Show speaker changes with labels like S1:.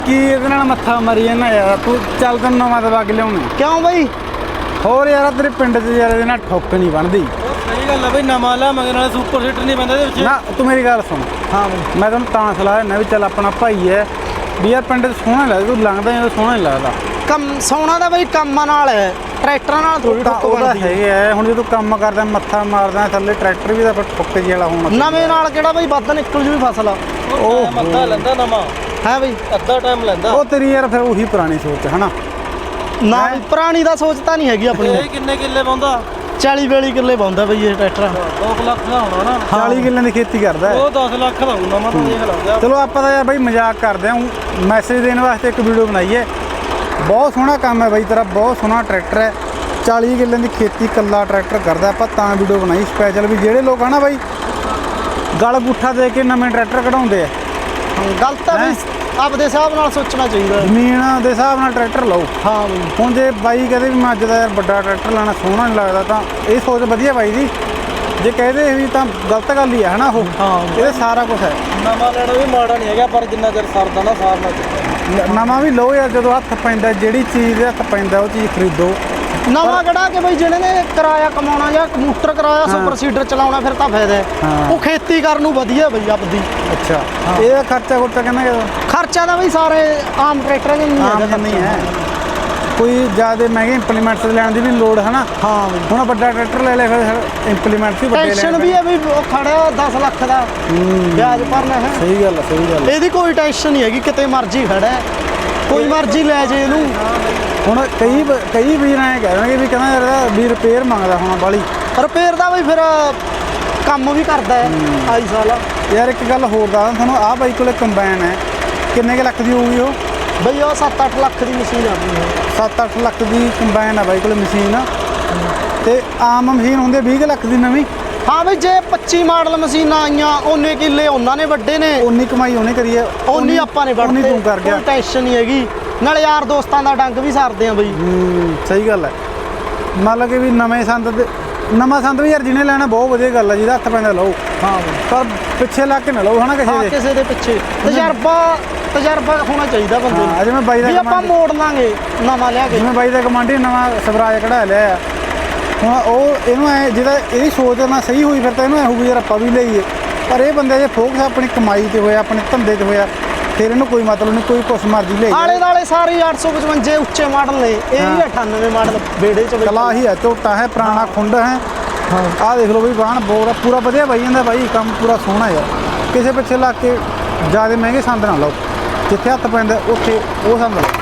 S1: ਕੀ ਇਹਦੇ ਨਾਲ ਮੱਥਾ ਮਾਰੀ ਜਾਂਦਾ ਯਾਰ ਤੂੰ ਚੱਲ ਤੈਨੂੰ ਨਵਾਂ ਦਵਾ ਕੇ ਲਿਆਉਣਾ
S2: ਕਿਉਂ ਬਈ?
S1: ਹੋਰ ਯਾਰ ਤੇਰੇ ਪਿੰਡ 'ਚ ਯਾਰ ਇਹਦੇ ਨਾਲ ਠੁੱਕ ਨਹੀਂ ਬਣਦੀ।
S3: ਸਹੀ ਗੱਲ ਆ ਬਈ, ਨਵਾਂ ਲਿਆ ਮਗਰ ਨਾਲ ਸੁਪਰ ਹਿੱਟ ਨਹੀਂ ਪੈਂਦਾ ਇਹਦੇ ਵਿੱਚ।
S1: ਨਾ ਤੂੰ ਮੇਰੀ ਗੱਲ ਸੁਣ।
S2: ਹਾਂ ਬਈ,
S1: ਮੈਂ ਤੈਨੂੰ ਤਾਂ ਸਲਾਹ ਦਿੰਦਾ ਵੀ ਚੱਲ ਆਪਣਾ ਭਾਈ ਹੈ ਵੀ ਯਾਰ ਪਿੰਡ 'ਚ ਸੋਹਣਾ ਲੱਗਦਾ, ਤੂੰ ਲੰਘਦਾ ਜਦੋਂ ਸੋਹਣਾ ਨਹੀਂ ਲੱਗਦਾ।
S2: ਕੰਮ ਸੋਨਾ ਦਾ ਬਈ ਕੰਮਾਂ ਨਾਲ ਹੈ, ਟਰੈਕਟਰਾਂ ਨਾਲ ਥੋੜੀ ਠੁੱਕ
S1: ਉਹਦਾ
S2: ਬਣਦੀ ਹੈ।
S1: ਹੈਗਾ ਹੁਣ ਜਦੋਂ ਕੰਮ ਕਰਦਾ ਮੱਥਾ ਮਾਰਦਾ ਥੱਲੇ ਟਰੈਕਟਰ ਵੀ ਤਾਂ ਫਿਰ ਠੁੱਕ ਜਿਹੀ ਵਾਲਾ ਹੋਣਾ।
S2: ਨਵੇਂ ਨਾਲ ਕਿਹੜਾ ਬਈ ਵੱਧ ਨਿਕਲ ਜੂ ਫਸਲ।
S3: ਉਹ ਮੱਥਾ ਲੈਂਦਾ ਨਵਾਂ,
S2: ਹੈ ਬਈ?
S3: ਅੱਧਾ ਟਾਈਮ ਲੈਂਦਾ।
S1: ਉਹ ਤੇਰੀ ਯਾਰ ਫਿਰ ਉਹੀ ਪੁਰਾਣੀ ਸੋਚ ਹੈ ਹਨਾ।
S2: ਨਾ ਬਈ, ਪੁਰਾਣੀ ਦਾ ਸੋਚ ਤਾਂ ਨਹੀਂ ਹੈਗੀ ਆਪਣੀ।
S3: ਇਹ ਕਿੰਨੇ ਕਿੱਲੇ ਪਾਉਂਦਾ?
S2: 40-42 ਕਿੱਲੇ ਪਾਉਂਦਾ ਬਈ ਇਹ ਟਰੈਕਟਰ।
S3: 2 ਲੱਖ ਦਾ ਹੋਣਾ ਨਾ।
S1: 40 ਕਿੱਲਿਆਂ ਦੀ ਖੇਤੀ ਕਰਦਾ ਹੈ।
S3: ਉਹ 10 ਲੱਖ ਦਾ ਹੋਊ ਨਵਾਂ ਤਾਂ ਦੇਖ ਲਓ।
S1: ਚਲੋ ਆਪਾਂ ਤਾਂ ਯਾਰ ਬਾਈ ਮਜ਼ਾਕ ਕਰਦੇ ਹਾਂ, ਮੈਸੇਜ ਦੇਣ ਵਾਸਤੇ ਇੱਕ ਵੀਡੀਓ ਬਣਾਈ ਹੈ। ਬਹੁਤ ਸੋਹਣਾ ਕੰਮ ਹੈ ਬਾਈ ਤੇਰਾ, ਬਹੁਤ ਸੋਹਣਾ ਟਰੈਕਟਰ ਹੈ। 40 ਕਿੱਲਿਆਂ ਦੀ ਖੇਤੀ ਕੱਲਾ ਟਰੈਕਟਰ ਕਰਦਾ, ਆਪਾਂ ਤਾਂ ਵੀਡੀਓ ਬਣਾਈ ਸਪੈਸ਼ਲ ਵੀ ਜਿਹੜੇ ਲੋਕ ਆ ਨਾ ਬਾਈ ਗਲ ਗੁੱਠਾ ਦੇ ਕੇ ਨਵੇਂ ਟਰੈਕਟਰ ਕਢਾਉਂਦੇ ਆ।
S2: ਗਲਤ ਆ ਬਈ, ਆਪਦੇ ਹਿਸਾਬ ਨਾਲ ਸੋਚਣਾ ਚਾਹੀਦਾ।
S1: ਜ਼ਮੀਨ ਦੇ ਹਿਸਾਬ ਨਾਲ ਟਰੈਕਟਰ ਲਓ।
S2: ਹਾਂ ਬਈ,
S1: ਹੁਣ ਜੇ ਬਾਈ ਕਹਦੇ ਵੀ ਮੈਂ ਅੱਜ ਦਾ ਯਾਰ ਵੱਡਾ ਟਰੈਕਟਰ ਲੈਣਾ ਸੋਹਣਾ ਨਹੀਂ ਲੱਗਦਾ ਤਾਂ ਇਹ ਸੋਚ ਵਧੀਆ ਬਾਈ ਦੀ। ਜੇ ਕਹਦੇ ਵੀ ਤਾਂ ਗਲਤ ਗੱਲ ਹੀ ਹੈ ਹਨਾ। ਉਹ
S2: ਹਾਂ
S1: ਇਹਦੇ ਸਾਰਾ ਕੁਝ ਹੈ।
S3: ਨਵਾਂ ਲੈਣਾ ਵੀ ਮਾੜਾ ਨਹੀਂ ਹੈਗਾ, ਪਰ ਜਿੰਨਾ ਚਿਰ ਸਰਦਾ ਨਾ ਸਾਰ ਨਾ
S1: ਨਵਾਂ ਵੀ ਲਓ ਯਾਰ, ਜਦੋਂ ਹੱਥ ਪੈਂਦਾ ਜਿਹੜੀ ਚੀਜ਼ ਦੇ ਹੱਥ ਪੈਂਦਾ ਉਹ ਚੀਜ਼ ਖਰੀਦੋ।
S2: ਨਵਾਂ ਕਢਾ ਕੇ ਬਈ ਜਿਹੜੇ ਨੇ ਕਿਰਾਇਆ ਕਮਾਉਣਾ ਜਾਂ ਕੰਪਿਊਟਰ ਕਰਾਇਆ ਸੁਪਰ ਸੀਡਰ ਚਲਾਉਣਾ ਫਿਰ ਤਾਂ ਫਾਇਦਾ ਹੈ।
S1: ਹਾਂ।
S2: ਉਹ ਖੇਤੀ ਕਰਨ ਨੂੰ ਵਧੀਆ ਬਈ ਆਪਦੀ।
S1: ਅੱਛਾ ਇਹਦਾ ਖਰਚਾ ਖੁਰਚਾ ਕਿੰਨਾ ਕਿਦਾ?
S2: ਖਰਚਾ ਤਾਂ ਬਈ ਸਾਰੇ ਆਮ ਟਰੈਕਟਰਾਂ ਦੇ ਨਹੀਂ
S1: ਆਮ
S2: ਹੈਗਾ
S1: ਨਹੀਂ ਹੈ, ਕੋਈ ਜ਼ਿਆਦਾ ਮਹਿੰਗੇ ਇੰਪਲੀਮੈਂਟਸ ਲੈਣ ਦੀ ਵੀ ਲੋੜ ਹੈ ਨਾ।
S2: ਹਾਂ ਬਈ,
S1: ਹੁਣ ਵੱਡਾ ਟਰੈਕਟਰ ਲੈ ਲੈ ਫਿਰ ਇੰਪਲੀਮੈਂਟਸ ਵੀ ਵੱਡੇ ਲੈ
S2: ਟੈਨਸ਼ਨ ਵੀ ਹੈ ਵੀ ਉਹ ਖੜਿਆ 10 ਲੱਖ ਦਾ ਵਿਆਜ ਭਰਨਾ ਹੈ।
S1: ਸਹੀ ਗੱਲ ਹੈ, ਸਹੀ ਗੱਲ ਹੈ।
S2: ਇਹਦੀ ਕੋਈ ਟੈਨਸ਼ਨ ਨਹੀਂ ਹੈਗੀ, ਕਿਤੇ ਮਰਜ਼ੀ ਖੜਾ ਹੈ, ਕੋਈ ਮਰਜ਼ੀ ਲੈ ਜੇ ਇਹਨੂੰ।
S1: ਹੁਣ ਕਈ ਵੀਰ ਐਂ ਕਹਿ ਰਹੇ ਵੀ ਕਹਿੰਦਾ ਯਾਰ ਇਹਦਾ ਵੀ ਰਿਪੇਅਰ ਮੰਗਦਾ ਹੋਣਾ ਬਾਲੀ।
S2: ਰਿਪੇਅਰ ਦਾ ਬਈ ਫਿਰ ਕੰਮ ਵੀ ਕਰਦਾ ਹੈ ਆਈ ਸਾਲ।
S1: ਯਾਰ ਇੱਕ ਗੱਲ ਹੋਰ ਦੱਸਦਾ ਤੁਹਾਨੂੰ, ਆਹ ਬਾਈ ਕੋਲੇ ਕੰਬਾਈਨ ਹੈ, ਕਿੰਨੇ ਕੁ ਲੱਖ ਦੀ ਹੋਊਗੀ ਉਹ?
S2: ਬਈ ਉਹ 7-8 ਲੱਖ ਦੀ ਮਸ਼ੀਨ ਆ ਗਈ ਹੈ।
S1: 7-8 ਲੱਖ ਦੀ ਕੰਬਾਈਨ ਆ ਬਾਈ ਕੋਲੇ ਮਸ਼ੀਨ। ਤੇ ਆਮ ਮਸ਼ੀਨ ਹੁੰਦੀ 20 ਕੁ ਲੱਖ ਦੀ ਨਵੀਂ।
S2: ਹਾਂ ਬਈ, ਜੇ 25 ਮਾਡਲ ਮਸ਼ੀਨਾਂ ਆਈਆਂ ਉਹਨੇ ਕਿੱਲੇ ਉਹਨਾਂ ਨੇ ਵੱਡੇ ਨੇ,
S1: ਉਨੀ ਕਮਾਈ ਉਹਨੇ ਕਰੀ ਹੈ,
S2: ਉਨੀ ਆਪਾਂ ਨੇ
S1: ਉਨੀ
S2: ਵੱਢਦੇ।
S1: ਤੂੰ ਕਰ ਗਿਆ।
S2: ਕੋਈ ਟੈਨਸ਼ਨ ਨਹੀਂ ਹੈਗੀ, ਨਾਲੇ ਯਾਰ ਦੋਸਤਾਂ ਦਾ ਡੰਗ ਵੀ ਸਾਰਦੇ ਆ ਬਈ।
S1: ਸਹੀ ਗੱਲ ਹੈ। ਮੰਨ ਲਓ ਕਿ ਵੀ ਨਵੇਂ ਨਵਾਂ ਸੰਦ ਵੀ ਯਾਰ ਜਿਹਨੇ ਲੈਣਾ ਬਹੁਤ ਵਧੀਆ ਗੱਲ ਹੈ, ਜਿਹਦਾ ਹੱਥ ਪੈਂਦਾ ਲਓ।
S2: ਹਾਂ ਬਈ,
S1: ਪਰ ਪਿੱਛੇ ਲੱਗ ਕੇ ਨਾ ਲਓ ਹਨਾ ਕਿਸੇ
S2: ਹਾਂ
S1: ਦੇ।
S2: ਕਿਸੇ ਦੇ ਪਿੱਛੇ ਤਜਰਬਾ ਹੋਣਾ ਚਾਹੀਦਾ ਬੰਦੇ ਨੂੰ।
S1: ਜਿਵੇਂ ਬਾਈ ਦਾ
S2: ਵੀ ਆਪਾਂ ਮੋੜ ਲਾਂਗੇ ਨਵਾਂ ਲਿਆ ਕੇ।
S1: ਜਿਵੇਂ ਬਾਈ ਦਾ ਕਮਾਂਡੀ ਨਵਾਂ ਸਵਰਾਜ ਕਢਾ ਲਿਆ ਆ, ਹੁਣ ਉਹ ਇਹਨੂੰ ਐ ਜਿਹਦਾ ਇਹਦੀ ਸੋਚ ਨਾਲ ਸਹੀ ਹੋਈ ਫਿਰ ਤਾਂ ਇਹਨੂੰ ਐ ਹੋਊਗੀ ਯਾਰ ਆਪਾਂ ਵੀ ਲਈਏ। ਪਰ ਇਹ ਬੰਦੇ ਜੇ ਫੋਕਸ ਆਪਣੀ ਕਮਾਈ ਤੇ ਹੋਇਆ, ਆਪਣੇ ਧੰਦੇ ਤੇ ਹੋਇਆ, ਫਿਰ ਇਹਨੂੰ ਕੋਈ ਮਤਲਬ ਨਹੀਂ, ਕੋਈ ਕੁਛ ਮਰਜ਼ੀ ਲੈ
S2: ਆਲੇ ਦਾਲੇ ਸਾਰੇ 855 ਉੱਚੇ ਮਾਡਲ ਨੇ, ਇਹ ਵੀ 98 ਮਾਡਲ ਬੇੜੇ ਚ ਬਈ।
S1: ਕਲਾ ਹੀ ਹੈ, ਝੋਟਾ ਹੈ, ਪੁਰਾਣਾ ਖੁੰਡ ਹੈ। ਆਹ ਦੇਖ ਲਓ ਬਈ ਬਾਹਣ ਬੋਰ ਪੂਰਾ ਵਧੀਆ ਬਾਈ ਜਾਂਦਾ ਬਾਈ, ਕੰਮ ਪੂਰਾ ਸੋਹਣਾ ਯਾਰ। ਕਿਸੇ ਪਿੱਛੇ ਲੱਗ ਕੇ ਜ਼ਿਆਦਾ ਮਹਿੰਗੇ ਸੰਦ ਨਾ ਲਓ, ਜਿੱਥੇ ਹੱਥ ਪੈਂਦਾ ਉੱਥੇ ਉਹ ਸੰਦ ਲਓ।